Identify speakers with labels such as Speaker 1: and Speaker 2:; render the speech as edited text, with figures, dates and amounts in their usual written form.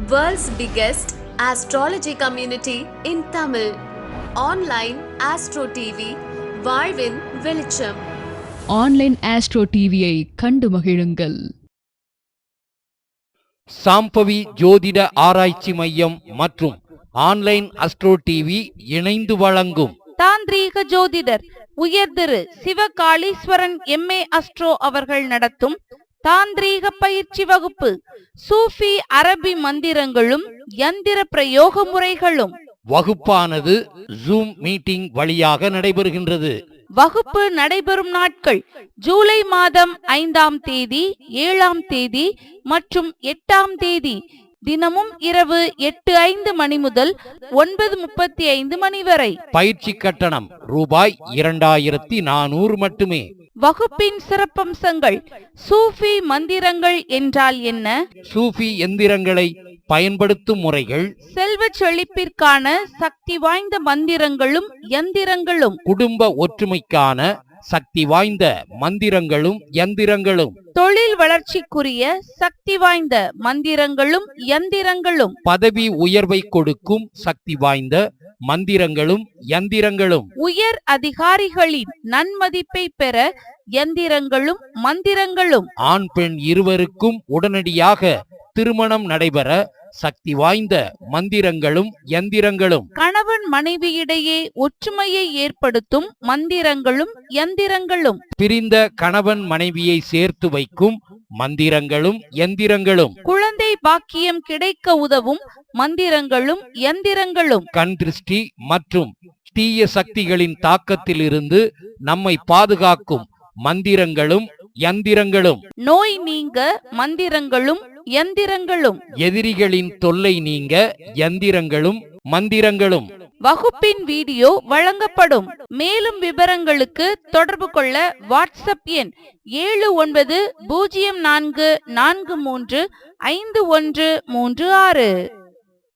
Speaker 1: World's biggest astrology community in Tamil. Online Astro TV, வாழ்வின் வெளிச்சம்.
Speaker 2: Online astro டிவியை கண்டு மகிழுங்கள்.
Speaker 3: சாம்பவி ஜோதிட ஆராய்ச்சி மையம் மற்றும் ஆன்லைன் அஸ்ட்ரோ டிவி இணைந்து வழங்கும்
Speaker 4: தாந்திரீக ஜோதிடர் உயர் திரு சிவகாளீஸ்வரன் MA அஸ்ட்ரோ அவர்கள் நடத்தும் தாந்திரீக பயிற்சி வகுப்பு, சூஃபி அரபி மந்திரங்களும் யந்திர பிரயோக முறைகளும்.
Speaker 3: வகுப்பானது ஜூம் மீட்டிங் வழியாக நடைபெறுகின்றது.
Speaker 4: வகுப்பு நடைபெறும் நாட்கள் ஜூலை மாதம் 5ஆம் தேதி, 7ஆம் தேதி மற்றும் 8ஆம் தேதி. தினமும் இரவு 8:05 மணி முதல் 9:35 மணி வரை.
Speaker 3: பயிற்சி கட்டணம் ரூபாய் 2400 மட்டுமே.
Speaker 4: வகுப்பின் சிறப்பம்சங்கள்: சூஃபி மந்திரங்கள் என்றால் என்ன,
Speaker 3: சூஃபி எந்திரங்களை பயன்படுத்தும் முறைகள்,
Speaker 4: செல்வ செழிப்பிற்கான சக்தி வாய்ந்த மந்திரங்களும் யந்திரங்களும்,
Speaker 3: குடும்ப ஒற்றுமைக்கான சக்தி வாய்ந்த மந்திரங்களும் யந்திரங்களும்,
Speaker 4: தொழில் வளர்ச்சிக்குரிய சக்தி வாய்ந்த மந்திரங்களும் யந்திரங்களும்,
Speaker 3: பதவி உயர்வை கொடுக்கும் சக்தி வாய்ந்த மந்திரங்களும் யந்திரங்களும்,
Speaker 4: உயர் அதிகாரிகளின் நன்மதிப்பை பெற யந்திரங்களும் மந்திரங்களும்,
Speaker 3: ஆண் பெண் இருவருக்கும் உடனடியாக திருமணம் நடைபெற சக்தி வாய்ந்த மந்திரங்களும் யந்திரங்களும்,
Speaker 4: கணவன் மனைவியிடையே ஒற்றுமையை ஏற்படுத்தும் மந்திரங்களும் யந்திரங்களும்,
Speaker 3: பிரிந்த கணவன் மனைவியை சேர்த்து வைக்கும் மந்திரங்களும் யந்திரங்களும்,
Speaker 4: குழந்தை பாக்கியம் கிடைக்க உதவும் மந்திரங்களும் யந்திரங்களும்,
Speaker 3: கண் திருஷ்டி மற்றும் தீய சக்திகளின் தாக்கத்தில் இருந்து நம்மை பாதுகாக்கும் மந்திரங்களும் யந்திரங்களும்,
Speaker 4: நோய் நீங்க மந்திரங்களும் யந்திரங்களும்,
Speaker 3: எதிரிகளின் தொல்லை நீங்க யந்திரங்களும் மந்திரங்களும்.
Speaker 4: வகுப்பின் வீடியோ வழங்கப்படும். மேலும் விவரங்களுக்கு தொடர்பு கொள்ள வாட்ஸ்அப் எண் 7904435136.